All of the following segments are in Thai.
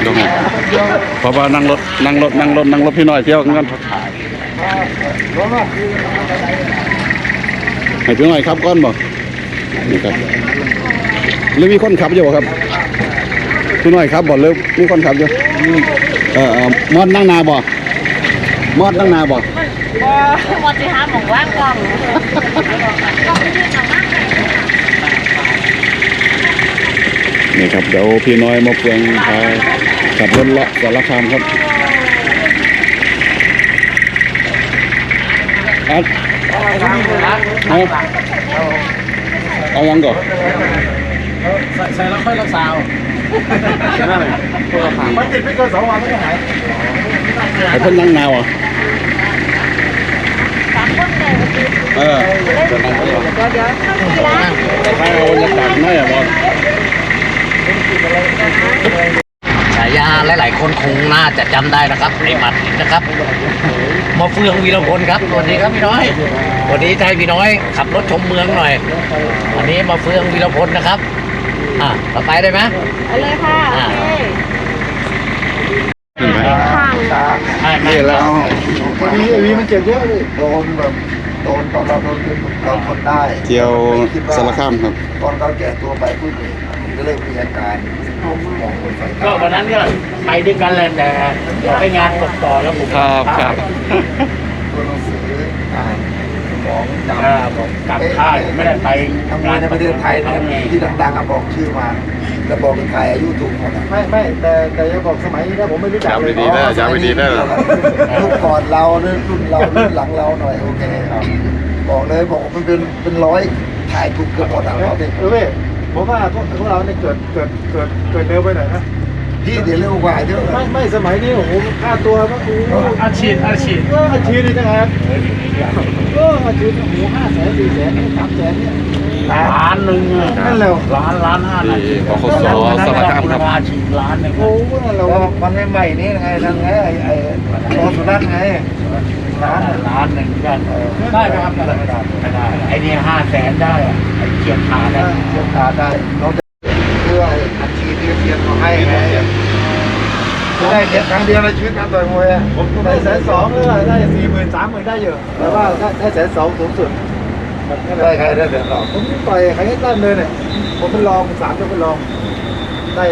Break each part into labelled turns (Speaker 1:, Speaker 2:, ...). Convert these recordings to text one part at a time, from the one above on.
Speaker 1: ดูไงเพราะว่านั่งรถพี่น้อยเที่ยวกันให้พี่น้อยครับก้อนบ่นี่ครับหรือมีคนขับอยู่ครับพี่น้อยครับบ่หรือมีคนขับอยู่มอดนั่งนาบ่มอดนั่งนาบ่
Speaker 2: มอดสิหาหมองว่างกล้อง
Speaker 1: นี่ครับเดี๋ยวพี่น้อยมาเปลืองพาขับรถเลาะสารคามครับเอายังก่อน
Speaker 3: ใส่แล้วค่อยรักษามันติดไม่เกิน2 วันไม่หาย
Speaker 1: ไอ้เพิ่นนั่งนาวอ่ะ
Speaker 2: เดี๋ยว
Speaker 1: ให้เอาบรรยากาศหน่อยอ่ะบอล
Speaker 4: ฉายาหลายๆคนคงน่าจะจำได้นะครับไอ้หมัดนะครับมาเฟืองวีรพลครับสวัสดีครับพี่น้อยวันนี้ให้พี่น้อยขับรถชมเมืองหน่อยวันนี้มาเฟืองวีรพลนะครับต่อไปได้ไหม
Speaker 2: ไปเลยค่ะโอเค
Speaker 1: นี่แล้ว
Speaker 3: วันนี้ไอ้วีมันเจ็บเยอะเลยโดนแบบโดนตอนเราโดนเราทนได้
Speaker 1: เที่ยวสารคามครับ
Speaker 3: ตอนเราแก่ตัวไปปุ๊บก็เลยมีอาการ
Speaker 4: ก็วันนั้นก็ไปด้วยกันแหละแต่ไปงานตกต่อแล้วผม
Speaker 1: ครับ
Speaker 3: ตัวหนังสืออ่านของจำ
Speaker 4: ผมกลับค่ายไม่ได้ไป
Speaker 3: ทำงานในประเทศไทยที่ดังๆบอกชื่อมาแล้วบอกเป็นใครอายุถูกหมดไม่แต่ยังบอกสมัยนี้นะผมไม่รู้จักเลย
Speaker 1: จำไม่ดีได้
Speaker 3: รุ่นก่อนเรารุ่นเรารุ่นหลังเราหน่อยโอเคครับบอกเลยบอกมันเป็นร้อยถ่ายถูกเกือบหมดอ่ะเราเด็กผมว่าพวกเราเนี่ยเกิดเร็วไปหน่อยนะพี่เดี๋ยวเร็วกว่าเยอะไม่สมัยนี้โอ้โหค่าตัวก็
Speaker 4: อาชีพ
Speaker 3: อาชีพนี่จังครับอาชีพโอ้โห500,000 400,000 300,000เนี่ย
Speaker 4: ล้านหนึ่ง
Speaker 3: นั่นแหละ
Speaker 4: ล้าน5นาที
Speaker 1: ปคสสารคามครับ
Speaker 4: อาชีพล้านหนึ่ง
Speaker 3: โอ้โหนั่นแหละมันใหม่นี่ไงทั้งไงไอ้รอสุนัขไง
Speaker 4: ล้านหนึ่งกันได้ไหมครับไม่ได้ไอ้นี่500,000ได้ไอ้เกียร์ขาได้
Speaker 3: เราจะเพื่ออาชีพที่เรียนมาให้ไงจะได้เรียนครั้งเดียวในชีวิตการต่อยมวยได้120,000หรือได้40,000 30,000ได้เยอะแต่ว่าได้120,000สูงสุดได้ใครได้120,000ผมต่อยใครให้ตั้งเลยเนี่ยผมเป็นรอง3จะเป็นรองได้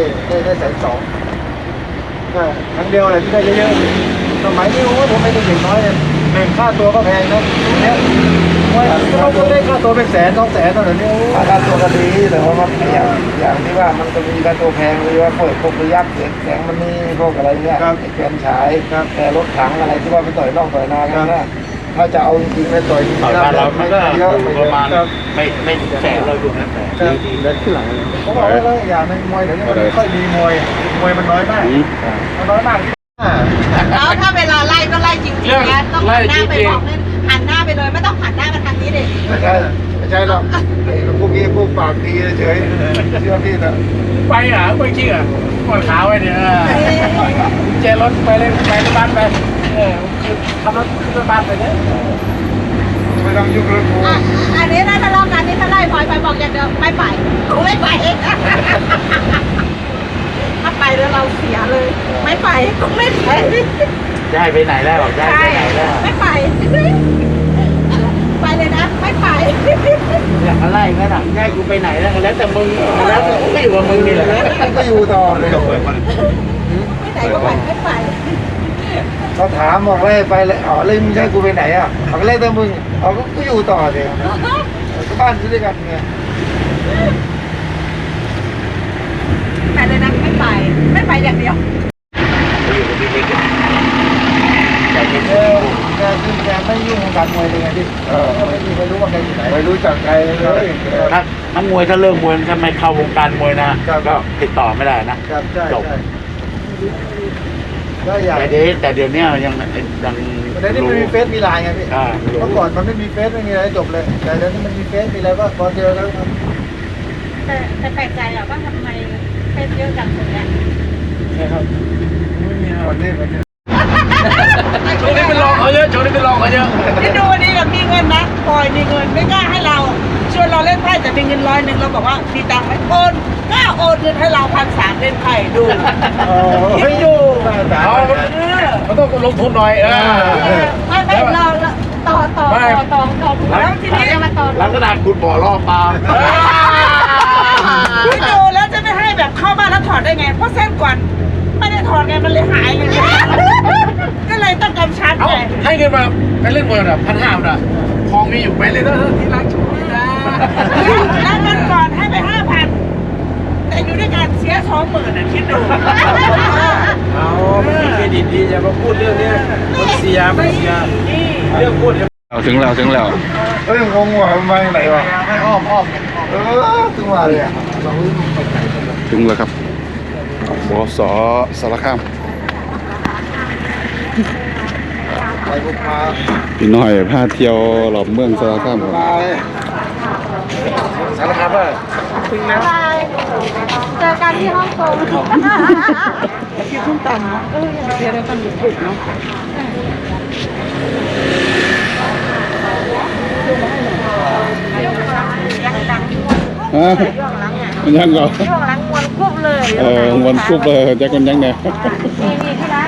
Speaker 3: 120,000ก็ครั้งเดียวอะไรที่ได้เยอะๆสมัยนี้โอ้ผมไม่ได้เด็กน้อยเลยค่าตัวก็แพงนะเนี่ยเราได้ค่าตัวเป็น100,000 200,000ตอนนี้ค่าตัวก็ดีแต่ว่ามันอย่างที่ว่ามันจะมีค่าตัวแพงเลยว่าพวกระยักแสงมันนี่พวกอะไรเนี่ยแกนฉายแต่รถถังอะไรที่ว่าไปต่อยนอกต่อยนากันนะถ้าจะเอาจริงๆไปต่อย
Speaker 4: เราไม่เยอะประมาณไม่แสนเราอยู่นะแต่ดีเดินขึ้นหลัง
Speaker 3: เขาบอกว่าอย่างในมวยเดี๋ยวนี้มันไม่ค่อยมีมวยมันน้อยมาก
Speaker 2: แล้วถ้าเวลาไล่ก็ไล่จริงๆนะต้องหันหน้าไปบอกเลยหันหน้าไปเลยไม่ต้องหันหน้ามาทางนี้ดิ
Speaker 3: ไม่ใช่หรอกพวกนี้พวกปากดีเฉยเชื่อพี่นะ
Speaker 4: ไปไม่จริงปวดขาไว้เนี่ยเจรถไปเลยไปบ้านไปขับรถขึ้นบ้านไปเนี่ย
Speaker 3: ไม่ต้องยุ่งเรื่องกู
Speaker 2: อันนี้ถ้าทะเลาะกันนี่ถ้าไล่พลอยไปบอกอย่างเดียวไม่ไปกูไม่ไปถ้าไปแล้วเราเสียเลยไม่ไปกูไม่ไป
Speaker 4: ได้ไปไหนแล้วบอกได้ไปไหนแล้ว
Speaker 2: ไม่ไปไปเลยนะไม่ไป
Speaker 4: อยากอะไรก็ถามได้กูไปไหนแล้วแต่มึงแล้วไม่อยู่กับมึงนี่แหละ
Speaker 3: ก็อยู่ต่อเลย
Speaker 2: ไม่ไหนก็ไปไม่ไป
Speaker 3: เขาถามบอกเลยไปเลยเลยมึงให้กูไปไหนบอกเลยแต่มึงก็อยู่ต่อเลยก็บ้านอยู่ด้วยกันไง
Speaker 2: แต่เลยนะไม่ไปอย่างเดียว
Speaker 3: แกไม่ยุ่งกับการมวยเลยไงที่ไม่รู้ว่าใครอยู่ไหนไม่รู้จักใครเลย
Speaker 4: นักมวยถ้าเลิกมวยถ้าไม่เข้าวงการมวยนะก็ติดต่อไม่ได้นะจบแต่เดี๋ยวนี้ยัง
Speaker 3: เดี๋ยวนี้มันมีเฟซมีไลน์ไงพี่เมื่อก่อนมันไม่มีเฟซไม่มีอะไรจบเลยแต่เดี๋ยวนี้มันมีเฟซมีอะไรก็พอเจอแล้ว
Speaker 2: แต่แปลกใจอะว่าทำไมเฟซเยอะจังคนเนี้ย
Speaker 3: ใช่ครับวันนี้
Speaker 4: โชว์นี้เป็นรองเขาเยอะ
Speaker 2: ที่ดูวันนี้แบบมีเงินนะพลอยมีเงินไม่กล้าให้เราชวนเราเล่นไพ่แต่มีเงินน100เราบอกว่ามีตังค์ไหมโอนก็โอนเงินให้เรา1,300เล่นไพ่ดู
Speaker 3: เฮ้ยดูสาว
Speaker 4: มันต้องลงทุนหน่อย
Speaker 2: ไม่เราต่อแล้วทีนี้มาต่อ
Speaker 4: ลักษณะคุณบ่อล่อปลา
Speaker 2: พี่ดูแล้วจะไม่ให้แบบเข้าบ้านแล้วถอดได้ไงเพราะเส้นก่อนไม่ได้ถอดไงมันเลยหายไงก็เลยต้องกำชับ
Speaker 4: เอา
Speaker 2: ไง
Speaker 4: ให้เงินมาไปเล่นมวยน่ะ1,500น่ะทองมีอยู่ไปเลยที่ร้านชูนะ
Speaker 2: แล้วเงินก่อนให้ไป5,000แต่อยู่ด้วยกันเสีย20,000อ่ะคิดดู
Speaker 3: เอาเครดิตดีอย่ามาพูดเรื่องนี้มันเสียไม่เสียเรื่องพูด
Speaker 1: ถึงแล้ว
Speaker 3: เอ้ยงงว่ะมันมาจากไหนวะไม่อ้อมถึงว่าเลยอ่ะ
Speaker 1: ถึงแล้วครับบสสารคาม
Speaker 3: ไปบุกมา
Speaker 1: พี่น้อยพาเที่ยวรอบเมืองสารคามครับ
Speaker 3: สารคามป่ะ
Speaker 2: เจอกันที่ฮ่องกง
Speaker 3: กินส้มตำเนาะเดี๋ยวเราทำดึกๆเนาะ
Speaker 1: ฮะมันยังเหรอ
Speaker 2: ช่วงหลังมวนคุบเลย
Speaker 1: วันคุบเลยแจ็คกันยังเนี่ย
Speaker 2: นี่ที่ร้าน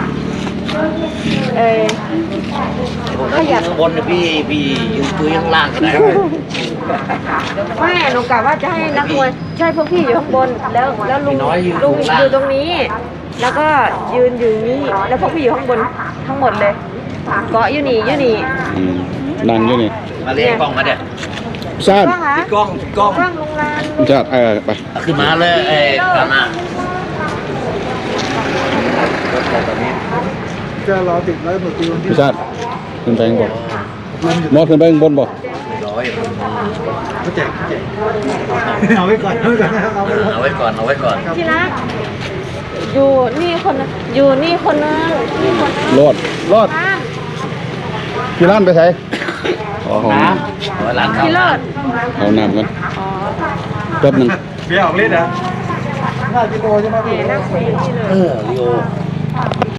Speaker 4: ผมก็อยู่ข้างบนนะพี่ยืนคุยข้างล่างก็ได้
Speaker 5: ไม่หนูกะว่าจะให้นักมวยใช่พวกพี่อยู่ข้างบนแล้วลุงอยู่ตรงนี้ แล้วก็ยืนอยู่นี่แล้วพวกพี่อยู่ข้างบนทั้งหมดเลยเกาะอยู่นี่
Speaker 1: นั่งอยู่นี่
Speaker 4: มาเรียกกล้องมาเด็ด
Speaker 1: ชาติ
Speaker 5: ก็หา
Speaker 4: กล้อง
Speaker 5: กล้องลุงลาน
Speaker 1: ชาติไป
Speaker 4: ขึ้นมาเลยกานา
Speaker 3: จะรอติดไว้หมดตีวันที่
Speaker 1: พี่ชาติขึ้นไปข้างบนมอดขึ้นไปข้างบนบ่
Speaker 4: ร้อย
Speaker 3: เขาแจกเอาไว้ก่อนเอาไว้ก่อนเอาไว้ก่อน
Speaker 4: เอาไว้ก่อน
Speaker 5: ที่รักอยู่นี่คนนึงอยู่นี่คนนึงนี่คนนึง
Speaker 1: รอด
Speaker 5: ข้าม
Speaker 1: พี่ล้านไปใส่อ๋อ
Speaker 4: น้ำร้านข้าว
Speaker 5: พี่เลิศ
Speaker 1: เอาน้ำกันแป๊บหนึง
Speaker 3: เบี้ยออกฤทธิ์เหรอ5 กิโลใช่ไหม
Speaker 5: นั่งคุยที่เลย
Speaker 4: ลิโอ